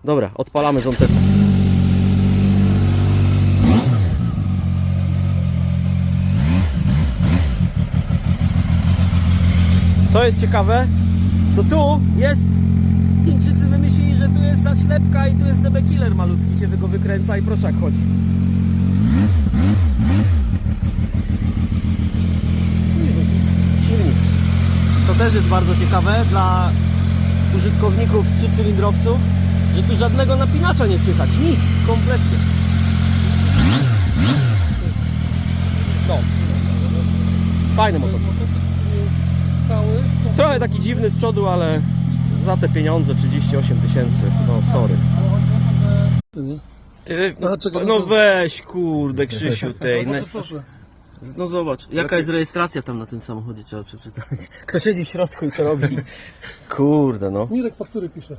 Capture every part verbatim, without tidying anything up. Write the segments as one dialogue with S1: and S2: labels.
S1: Dobra, odpalamy Zontesa. Co jest ciekawe, to tu jest... Chińczycy wymyślili, że tu jest zaślepka i tu jest D B Killer malutki, się go wykręca i proszę jak chodzi. Silnik. To też jest bardzo ciekawe dla użytkowników trzycylindrowców, że tu żadnego napinacza nie słychać, nic, kompletnie. No. Fajny motocykl. Trochę taki dziwny z przodu, ale za te pieniądze trzydzieści osiem tysięcy, no sorry. Ty, no, no weź kurde Krzysiu tej. No, no zobacz, jaka jest rejestracja tam na tym samochodzie, trzeba przeczytać. Kto siedzi w środku i co robi? Kurde no.
S2: Mirek faktury pisze.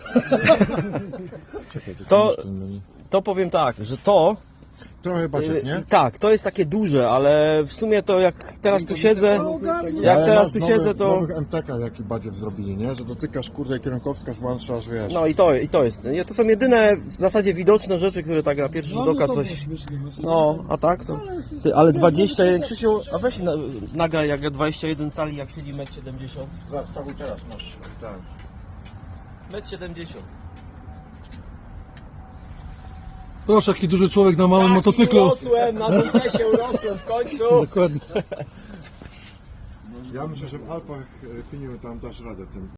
S1: To, to powiem tak, że to...
S3: Trochę baciek, nie?
S1: Tak, to jest takie duże, ale w sumie to jak teraz tu siedzę, jak
S3: Ale
S1: teraz
S3: masz
S1: tu
S3: nowych,
S1: siedzę to...
S3: nowych M T K jaki badziew zrobili, nie? Że dotykasz kurde kierunkowskaz włączasz, wiesz.
S1: No i to, i to jest. To są jedyne w zasadzie widoczne rzeczy, które tak na pierwszy rzut oka coś... No, a tak to... Ty, ale dwadzieścia jeden, Krzysiu, a weź na, nagraj jak dwadzieścia jeden cali, jak siedzi metr siedemdziesiąt.
S3: Wstawił teraz, masz. Tak.
S1: metr siedemdziesiąt.
S2: Proszę, jaki duży człowiek na małym motocyklu.
S1: Urosłem, na Zontesie urosłem w końcu.
S2: Dokładnie.
S3: Ja myślę, że w Alpach e, Piniu tam dasz radę tym.